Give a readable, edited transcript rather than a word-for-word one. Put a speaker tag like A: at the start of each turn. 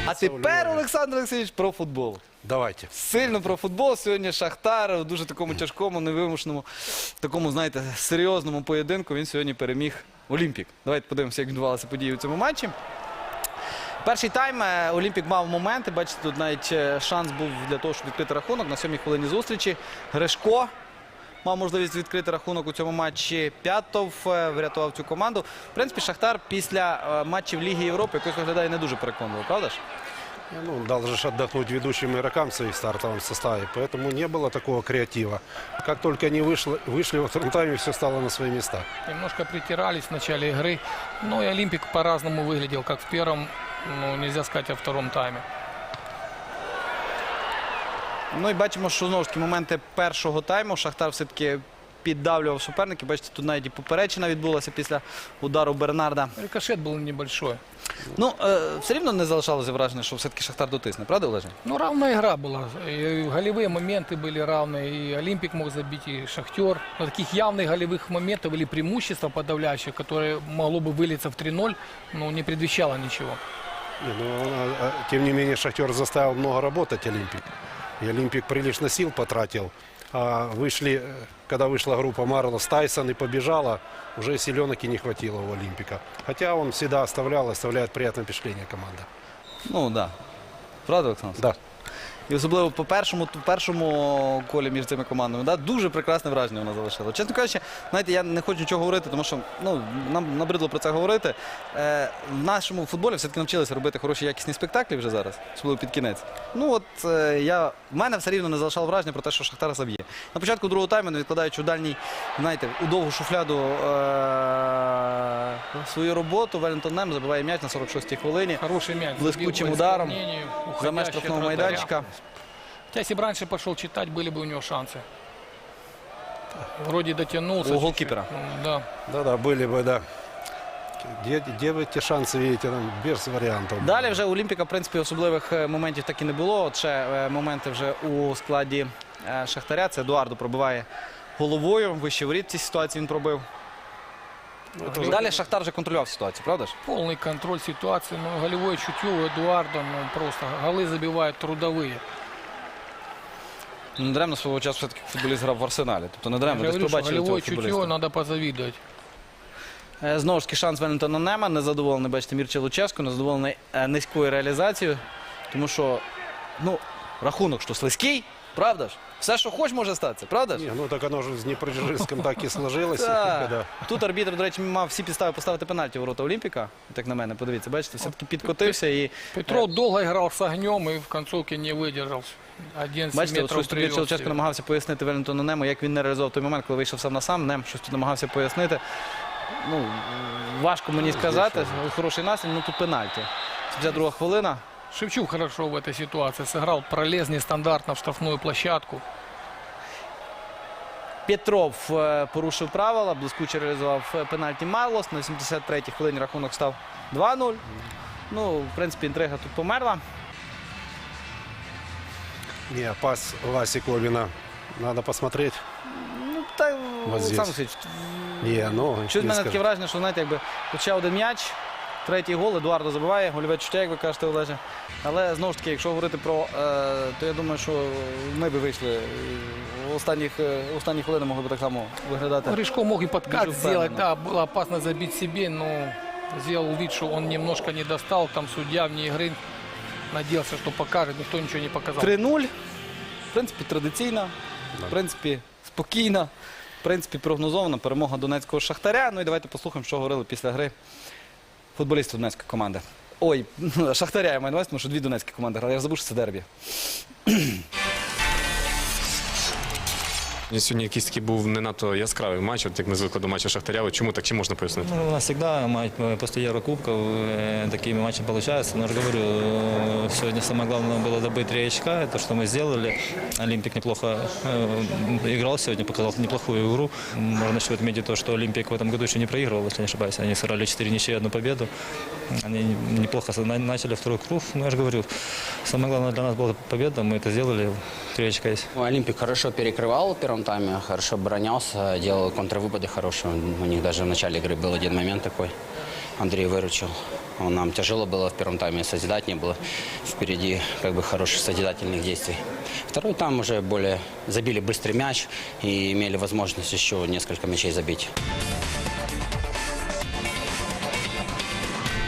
A: А тепер, Олександр Олексійович, про футбол.
B: Давайте.
A: Сильно про футбол. Сьогодні Шахтар у дуже такому тяжкому, невимушеному, такому, знаєте, серйозному поєдинку. Він сьогодні переміг Олімпік. Давайте подивимося, як відбувалися події у цьому матчі. Перший тайм Олімпік мав моменти. Бачите, тут навіть шанс був для того, щоб відкрити рахунок. На 7-й хвилині зустрічі Гришко мав можливість відкрити рахунок у цьому матчі. П'ятов врятував цю команду. В принципі, Шахтар після матчів Ліги Європи якось виглядає не дуже переконливо, правда ж?
B: Ну, дал же отдохнуть ведущим игрокам в своих стартовом составе, поэтому не было такого креатива. Как только они вышли во втором тайме, все стало на свои места.
C: Немножко притирались в начале игры. Но и Олимпик по-разному выглядел, как в первом, ну, нельзя сказать, о втором тайме.
A: Ну і бачимо, що знову ж таки моменти першого тайму Шахтар все-таки піддавлював суперників. Бачите, тут навіть і поперечина відбулася після удару Бернарда.
C: Рикошет был небольшой.
A: Ну, все рівно не залишалося враження, що все-таки Шахтар дотисне, правда, Олеже?
C: Ну, равная игра была. И голевые моменты были равные. И Олимпик мог забить, и Шахтер. Но таких явных голевых моментов или преимущества подавляющих, которые могло бы вылиться в 3-0, ну, не предвещало ничего.
B: Тем не менее, Шахтер заставил много работать Олимпик. И Олимпик прилично сил потратил. А когда вышла группа Марлос, Тайсон и побежала, уже силенок и не хватило у Олимпика. Хотя он всегда оставляет приятное впечатление команда.
A: Ну, так. Да. Правда, Олександр?
B: Да.
A: І особливо по першому колі між цими командами, да, дуже прекрасне враження вона залишила. Чесно кажучи, знаєте, я не хочу нічого говорити, тому що нам набридло про це говорити. В нашому футболі все-таки навчилися робити хороші якісні спектаклі вже зараз, особливо під кінець. Ну от в мене все рівно не залишало враження про те, що Шахтар заб'є. На початку другого тайму, не відкладаючи у дальній, знаєте, у довгу шуфляду свою роботу, Веллінгтон Нем забиває м'яч на 46-й хвилині.
C: Хороший мяч.
A: Блискучим ударом за меж штрафного майданчика.
C: Хотя, если бы раньше пошел читать, были бы у него шансы. Вроде дотянулся.
A: У голкипера.
C: Да.
B: Да, были бы, да. Где вы эти шансы видите? Там без вариантов.
A: Далі вже у Олімпіка, в принципі, особливих моментів так і не було. От ще моменти вже у складі Шахтаря. Це Едуардо пробиває головою. Вище воріт в цій ситуації він пробив. Далі Шахтар вже контролював ситуацію, правда ж?
C: Полный контроль ситуации. Но голевое чутье у Эдуарда, ну, просто голы забивают трудовые.
A: Не даремно свого часу все-таки футболіст грав в Арсеналі. Тобто не даремно
C: Я
A: десь
C: говорю, что
A: побачили цього
C: голевое чутье
A: футболіста.
C: надо позавидовать.
A: Знову ж таки шанс Веллінгтона Нема. Незадоволений, бачите, Мірча Луческо, незадоволений низькою реалізацією. Тому що, рахунок, що слизький, правда ж? Все, що хоч, може статися, правда ж?
B: Не, ну так оно же с Днепродзержинском так и сложилось.
A: Так. Тут арбітр, до речі, мав всі підстави поставити пенальті у ворота Олімпіка. Так на мене, подивіться, бачите, все-таки підкотився і...
C: Петров долго играл с огнем и в концовке не выдержал. 11
A: Бачите, от
C: метров
A: щось тут Мірча Луческо намагався пояснити Веллінгтону Нему, як він не реалізував той момент, коли вийшов сам на сам. Нем щось тут намагався пояснити. Ну, важко мені сказати, хороший настрій, ну тут пенальті. 72 хвилина.
C: Шевчук хорошо в этой ситуации сыграл, пролез нестандартно в штрафную площадку.
A: Петров порушив правила, блискуче реалізував пенальті Марлос. На 73-й хвилині рахунок став 2-0. Ну, в принципі, інтрига тут померла.
B: Не, пас Васи Ковина. Надо посмотреть.
A: Ну, та,
B: Вот здесь.
A: Олександр Олексійович,
B: Не, ну,
A: щось в
B: не
A: мене
B: скажу.
A: таке враження, що, знаєте, якби хоча один м'яч, третій гол, Едуардо забиває, гольове чуття, як ви кажете, Олеже. Але, знову ж таки, якщо говорити про, то я думаю, що ми би вийшли в останні хвилини могли б так само виглядати.
C: Гришко мог и подкат
A: Дуже
C: сделать,
A: впевнено.
C: да, было опасно забить себе, но сделал вид, что он немножко не достал, там судья вне игры надеялся, что покажет, никто ничего не показал.
A: 3-0. В принципі, традиційна, в принципі, спокійна, в принципі, прогнозована перемога донецького Шахтаря. Ну і давайте послухаємо, що говорили після гри футболісти донецької команди. Ой, Шахтаря я маю на увазі, тому що дві донецькі команди грали. Я забув, що це дербі.
D: Сьогодні якийсь такий був не надто яскравий матч, от як ми звикли до матчу Шахтаря. От чому так, чи можна пояснити?
E: Ну, у нас всегда после Еврокубков такими матчами получаются. Но я же говорю, сегодня самое главное было добыть 3 очка. Это что мы сделали. Олимпик неплохо играл сегодня, показал неплохую игру. Можно еще отметить то, что Олимпик в этом году еще не проигрывал, если не ошибаюсь. Они сыграли 4 ничьи, 1 победу. Они неплохо начали второй круг. Но я же говорю, самое главное для нас была победа. Мы это сделали. 3 очка есть.
F: Олимпик хорошо перекрывал в первом тайме, хорошо оборонялся, делал контрвыпады хорошие. У них даже в начале игры был один момент такой. Андрей выручил. Нам тяжело было в первом тайме, созидать не было. Впереди хороших созидательных действий. Второй тайм уже более забили быстрый мяч и имели возможность еще несколько мячей забить.